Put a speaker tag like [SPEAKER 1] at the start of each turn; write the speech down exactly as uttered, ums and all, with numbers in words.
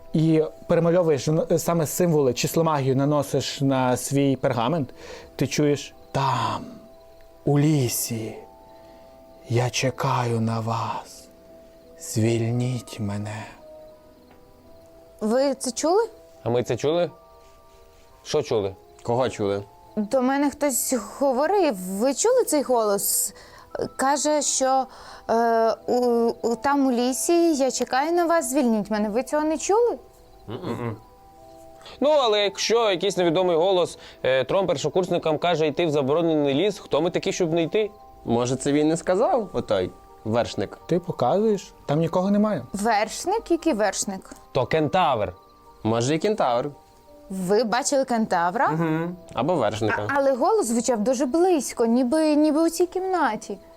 [SPEAKER 1] і перемальовуєш саме символи, числомагію наносиш на свій пергамент, ти чуєш там, у лісі, я чекаю на вас, звільніть мене.
[SPEAKER 2] Ви це чули?
[SPEAKER 3] А ми це чули? Що чули?
[SPEAKER 4] Кого чули?
[SPEAKER 2] До мене хтось говорив. Ви чули цей голос? Каже, що е, у, у, там у лісі я чекаю на вас, звільніть мене. Ви цього не чули?
[SPEAKER 3] Ну, але якщо якийсь невідомий голос е, трьом першокурсникам каже йти в заборонений ліс, хто ми такі, щоб не йти?
[SPEAKER 4] Може, це він не сказав, отой вершник?
[SPEAKER 1] Ти показуєш, там нікого немає.
[SPEAKER 2] Вершник? Який вершник?
[SPEAKER 3] То кентавр.
[SPEAKER 4] Може, і кентавр.
[SPEAKER 2] Ви бачили кентавра?
[SPEAKER 4] Або вершника.
[SPEAKER 2] Але голос звучав дуже близько, ніби, ніби у цій кімнаті.